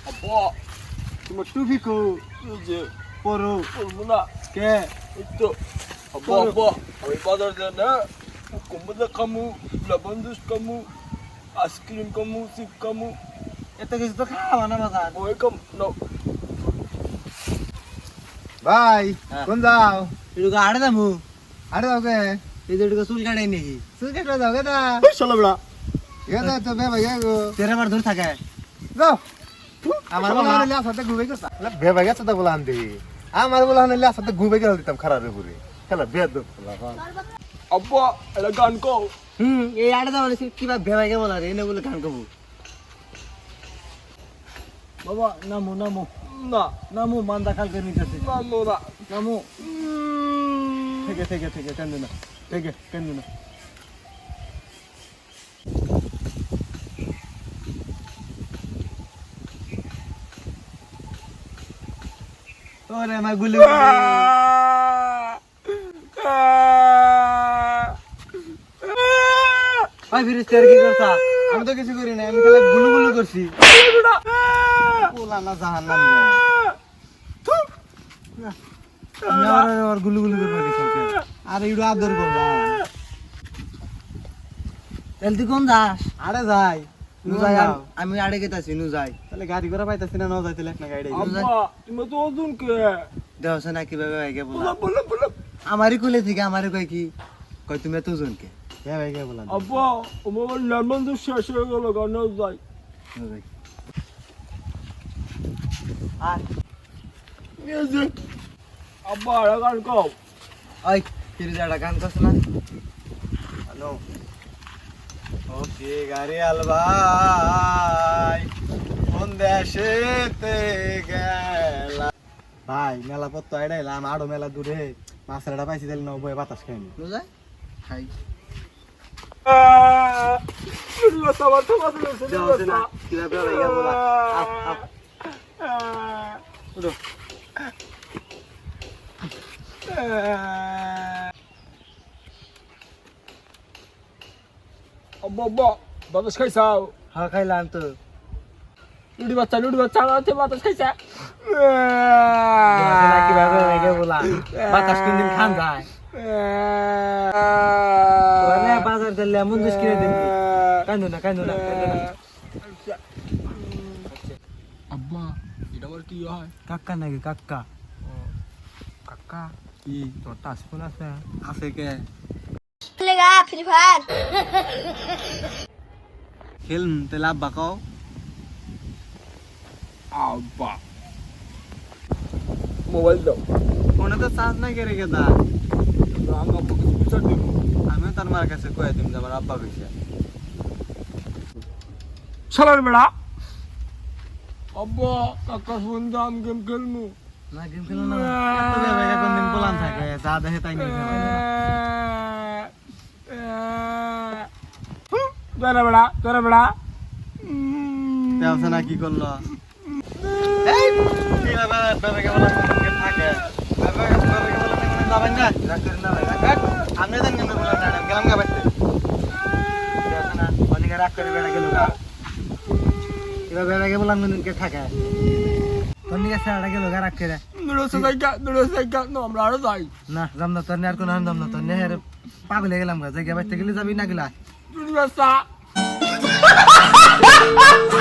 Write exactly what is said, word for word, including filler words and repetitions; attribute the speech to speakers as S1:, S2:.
S1: আব্বা
S2: তোমার টুপি কো
S1: এই যে
S2: পরো
S1: বলবো না
S2: কে
S1: এই তো আব্বা আব্বা আমি বাজার যাই না কুকুম্বাদা খামু লবণ জুস খামু আইসক্রিম খামু চিপ খামু
S2: এত কিছু তো খাওয়া না বাজার
S1: ওই খাম না
S3: ভাই
S2: হ্যাঁ।
S3: কোন যাও
S2: এটুকু আড়ে দামু
S3: আরে যাও কে
S2: এই যে এটুকু চুল কাটাই নাকি
S3: তুই কেটে যাও কেটা
S2: চলো বড়া
S3: কেটা তো বে ভাই গো
S2: তেরে বার ধরে থাকে
S3: যাও
S2: আমার
S3: আমার
S2: বাবা-
S3: বলা হলে সাথে ঘুরে গেছে বে ভাই গেছে তো বলা আনতে আমার বলা হলে সাথে ঘুরে গেল দিতাম খারাপ ঘুরে খেলা বেদ
S1: আব্বা এটা গান কও
S2: হুম এই আড়ে দাও কিবা ভেবাইকে বলা রে এনে বলে গান কবু বাবা নামো নামো
S1: না
S2: নামো মান্দা খাল করে নিতেছে
S1: না না
S2: নামো থেকে থেকে থেকে কান্দে না থেকে কান্দে না ওরে আমার গুলি ভাই ফিরিস্তে আর কি করছা আমি তো কিছু করি না আমি খালি গুলু গুলু করছি পোলা না জাহান নাম আমি আর আর গুলু গুলু করবো কিছু আর ইডু আদর করলাম তাহলে তুই কোন যাস আরে যাই নু যাই আমি আড়ে গেতাছি নু যাই তাহলে গাড়ি করে পাইতাছি না ন যাইতে লেখ না গাড়ি
S1: আব্বা তুমি তো ওজন কে
S2: দেওছে না কিভাবে ভাইকে বলা
S1: বলা বলা বলা
S2: আমারই কুলে থেকে আমারই কয় কি কয় তুমি এত জনকে কে ভাইকে বলা
S1: আব্বা আমার লেমন জুস শেষ হয়ে গেল গান যাই
S2: আর
S1: এই যে আব্বা এটা গান কও
S2: ওই ফিরে যাটা গান করছ না হ্যালো ওকে গাড়ি আলভাই কোন দেশেতে গেলা ভাই মেলা পত্ত আইডাইলাম আড়ো মেলা দূরে মাছরাটা পাইছি তাহলে নয় বয়ে বাতাস খাইনি বুঝাই খাই
S1: সবার সবার
S2: দেওছে না কিভাবে ভাইয়া বলা আপ আপ উঠো
S1: আব্বা আব্বা বাতাস খাইছাও
S2: হ্যাঁ খাইলাম তো
S1: লুডি বাচ্চা লুডি বাচ্চা আছে বাতাস খাইছা
S2: দেওছে না কিভাবে ভাইয়া বলা বাতাস কোন দিন খান যায় তোরে বাজার দিলে এমন জিনিস কিনে দিন কান্দো না কান্দো না কান্দো না
S1: আব্বা এটা আমার কি হয়
S2: কাক্কা নাকি কাক্কা
S1: কাকা
S2: কি
S1: তোর টাচ ফোন আছে
S2: আছে কে
S4: खेलेगा फ्री फायर
S2: খেল তাহলে আব্বা কও
S1: আব্বা মোবাইল দাও
S2: ফোনে তো চার্জ নাই কেড়ে গেদা
S1: আমি আব্বা কিছু বিচার দিব
S2: আমিও তার মার কাছে কয়ে দিম যে আমার আব্বা কইছে
S1: শালার বেড়া আব্বা কাকা ফোন দাম গেম খেলমু
S2: না গেম খেলো না এত জায়গা কোন দিন পোলান থাকে যা দেখে তাই নিয়ে
S1: তোরা বেড়া তোরা বেড়া
S2: দেওছে না কি করলো এই কি বাবা বাবাকে বলা কে থাকে বাবাকে বাবাকে বলা কোন যাবেন না রাগ করেন না ভাই রাগ আমি জানি না বলা না গেলাম গা বাইতে দেওছে না অনেকে রাগ করে বেড়া গেল গা এবার বাবাকে বললাম কোন কে থাকে তন্নিকে সাড়া গেল গা রাগ করে
S1: নুড়ো সাইকা নুড়ো সাইকা নো আমরা আরো যাই
S2: না যাম না তোর আর কোন যাম না তোর নেহের পাগল হয়ে গেলাম গা জায়গা বাইতে গেলে যাবি না গেলা
S1: নুড়ো সা